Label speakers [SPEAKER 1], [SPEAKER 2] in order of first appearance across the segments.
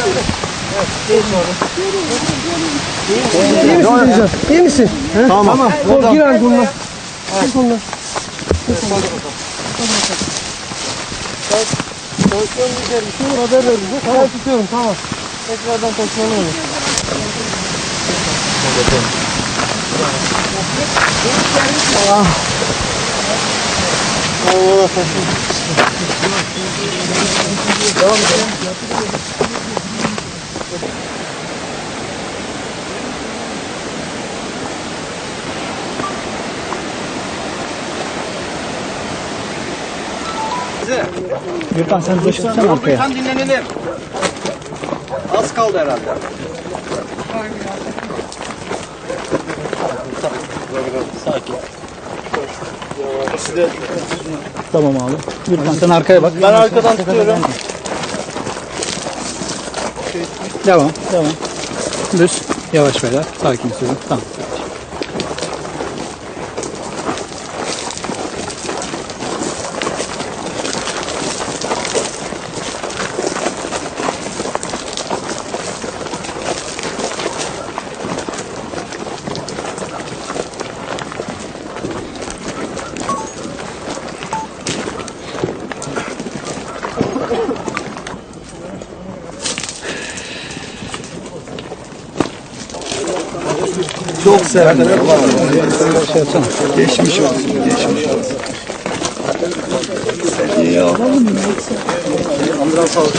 [SPEAKER 1] İyi misin?
[SPEAKER 2] Tamam.
[SPEAKER 1] Gir abi bununla. Bununla. Tansiyonu gider. Bir şey olur haber ver bize. Tamam tutuyorum tamam. Tekrardan taşımalı olur. Allah taşın. Devam edelim.
[SPEAKER 2] Gürkan sen geçsene arkaya.
[SPEAKER 3] Tam dinlenelim. Az kaldı herhalde. Sakin.
[SPEAKER 2] Tamam abi. Gürkan sen arkaya bak.
[SPEAKER 3] Ben arkadan tutuyorum.
[SPEAKER 2] Devam. Düz. Yavaş beyler. Sakin sürün. Tamam.
[SPEAKER 4] Çok sert. Geçmiş olsun. İyi alalım mı?
[SPEAKER 3] Ambulans aldı.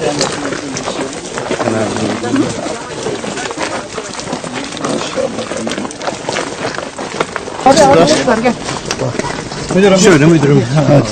[SPEAKER 1] Hadi arkadaşlar gel.
[SPEAKER 2] Müdürüm. Şöyle müdürüm. Hadi.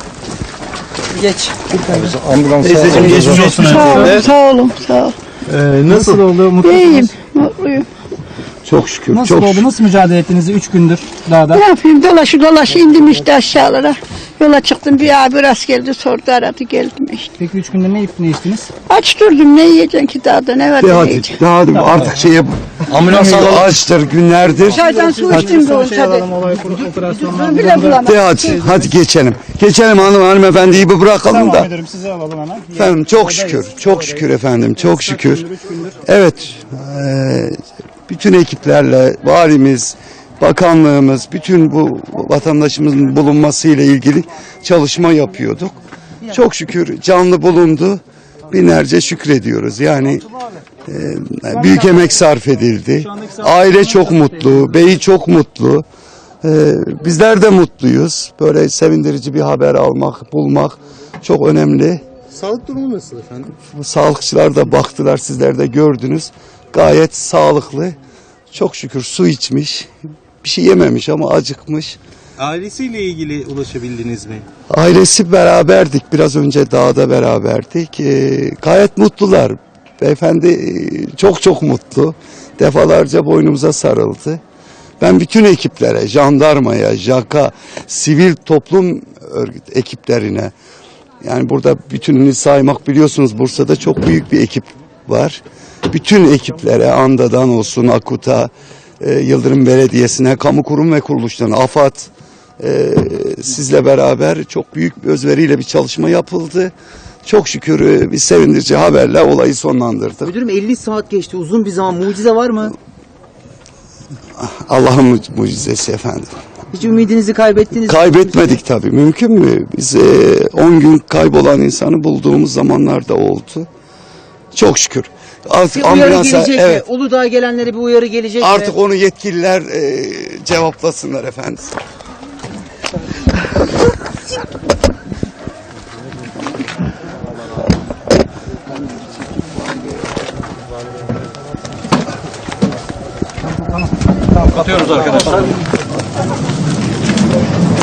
[SPEAKER 1] Geç.
[SPEAKER 4] Ambulans
[SPEAKER 2] Teyzeciğim geçmiş olsun.
[SPEAKER 5] Sağ olun, sağ ol.
[SPEAKER 2] Nasıl oldu? Mutlu
[SPEAKER 5] İyiyim,
[SPEAKER 2] musunuz?
[SPEAKER 5] mutluyum.
[SPEAKER 4] çok şükür.
[SPEAKER 2] Nasıl oldu? Nasıl mücadele ettiniz 3 gündür dağda?
[SPEAKER 5] Ne yapayım, dolaşı indim işte aşağılara. Yola çıktım, bir abi rast geldi, sordu, aradı, geldim işte.
[SPEAKER 2] Peki 3 gündür ne yiyip ne içtiniz?
[SPEAKER 5] Aç durdum, ne yiyeceksin ki dağda, ne var
[SPEAKER 4] De
[SPEAKER 5] ne
[SPEAKER 4] hadi,
[SPEAKER 5] yiyeceksin?
[SPEAKER 4] de hadi artık şey yap.
[SPEAKER 3] Ambulans alalım.
[SPEAKER 4] Açtır günlerdir.
[SPEAKER 5] Çaydan su içtim de olsa de.
[SPEAKER 2] Operasyondan.
[SPEAKER 5] Bile bulamadım.
[SPEAKER 4] De hadi geçelim. Geçelim hanımefendiyi bir bırakalım
[SPEAKER 2] Tamam
[SPEAKER 4] da.
[SPEAKER 2] müdürüm sizi alalım hemen.
[SPEAKER 4] Efendim çok şükür. Çok şükür efendim. Çok şükür. Evet. Bütün ekiplerle valimiz, bakanlığımız, bütün bu vatandaşımızın bulunmasıyla ilgili çalışma yapıyorduk. Çok şükür canlı bulundu. Binlerce şükrediyoruz. Yani büyük emek sarf edildi. Aile çok mutlu, beyi çok mutlu. Bizler de mutluyuz. Böyle sevindirici bir haber almak, bulmak çok önemli.
[SPEAKER 2] Sağlık durumu nasıl efendim?
[SPEAKER 4] Sağlıkçılar da baktılar, sizler de gördünüz. Gayet sağlıklı. Çok şükür su içmiş. Bir şey yememiş ama acıkmış.
[SPEAKER 6] Ailesiyle ilgili ulaşabildiniz mi?
[SPEAKER 4] Ailesi beraberdik. Biraz önce dağda beraberdik. Gayet mutlular. Beyefendi çok mutlu. Defalarca boynumuza sarıldı. Ben bütün ekiplere, jandarmaya, JAK'a, sivil toplum örgüt ekiplerine, yani burada bütününü saymak, biliyorsunuz Bursa'da çok büyük bir ekip var. Bütün ekiplere, ANDA'dan olsun, AKUT'a, Yıldırım Belediyesi'ne, kamu kurum ve kuruluşlarına, AFAD, sizle beraber çok büyük bir özveriyle bir çalışma yapıldı. Çok şükür bir sevindirici haberle olayı sonlandırdık.
[SPEAKER 3] Müdürüm 50 saat geçti. Uzun bir zaman. Mucize var mı?
[SPEAKER 4] Allah'ın mucizesi efendim.
[SPEAKER 3] Hiç ümidinizi kaybettiniz mi?
[SPEAKER 4] Kaybetmedik tabii. Mümkün mü? Biz 10 gün kaybolan insanı bulduğumuz zamanlar da oldu. Çok şükür. Artık
[SPEAKER 3] Bir uyarı
[SPEAKER 4] ambulansa,
[SPEAKER 3] gelecek
[SPEAKER 4] evet,
[SPEAKER 3] mi? Uludağ'a gelenlere bir uyarı gelecek mi?
[SPEAKER 4] artık onu yetkililer cevaplasınlar efendim.
[SPEAKER 2] Kapatıyoruz arkadaşlar.